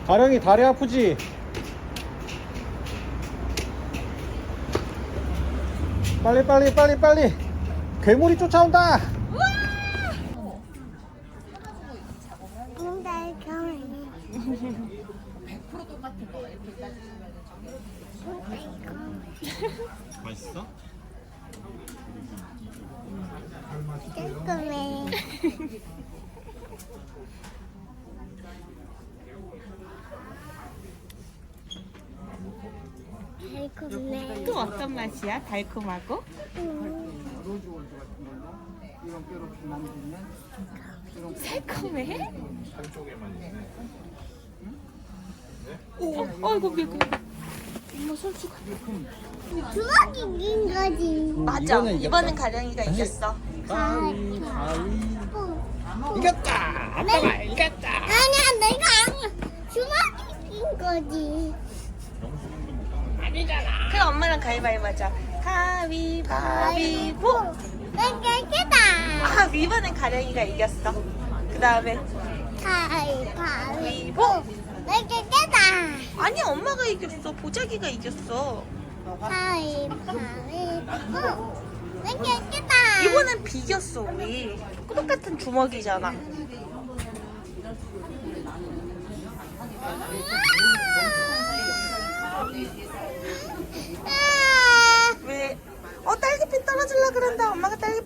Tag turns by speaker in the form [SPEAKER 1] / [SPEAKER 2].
[SPEAKER 1] 가령이 다리 아프지? 빨리 빨리 빨리 빨리. 괴물이 쫓아온다. 맛있어?
[SPEAKER 2] 깔끔해. 달콤해.
[SPEAKER 3] 또 어떤 맛이야? 달콤하고? 새콤해? 어이구 미고 엄마 손수가
[SPEAKER 2] 주먹이 긴 거지.
[SPEAKER 3] 맞아
[SPEAKER 1] 이거는
[SPEAKER 3] 이번엔 가령이가 이겼어.
[SPEAKER 1] 가위 이겼다. 아빠가 이겼다.
[SPEAKER 2] 아니야, 내가 아니야. 주먹이 긴 거지.
[SPEAKER 3] 그럼 엄마랑 가위바위보 하자. 가위바위보.
[SPEAKER 2] 내가 이겼다.
[SPEAKER 3] 아 이번엔 가령이가 이겼어. 그 다음에
[SPEAKER 2] 가위바위보. 내가 이겼다.
[SPEAKER 3] 아니 엄마가 이겼어. 보자기가 이겼어.
[SPEAKER 2] 가위바위보. 내가 이겼다.
[SPEAKER 3] 이번엔 비겼어 우리. 똑같은 주먹이잖아. 왜? 딸기피 떨어질라 그런다. 엄마가 딸기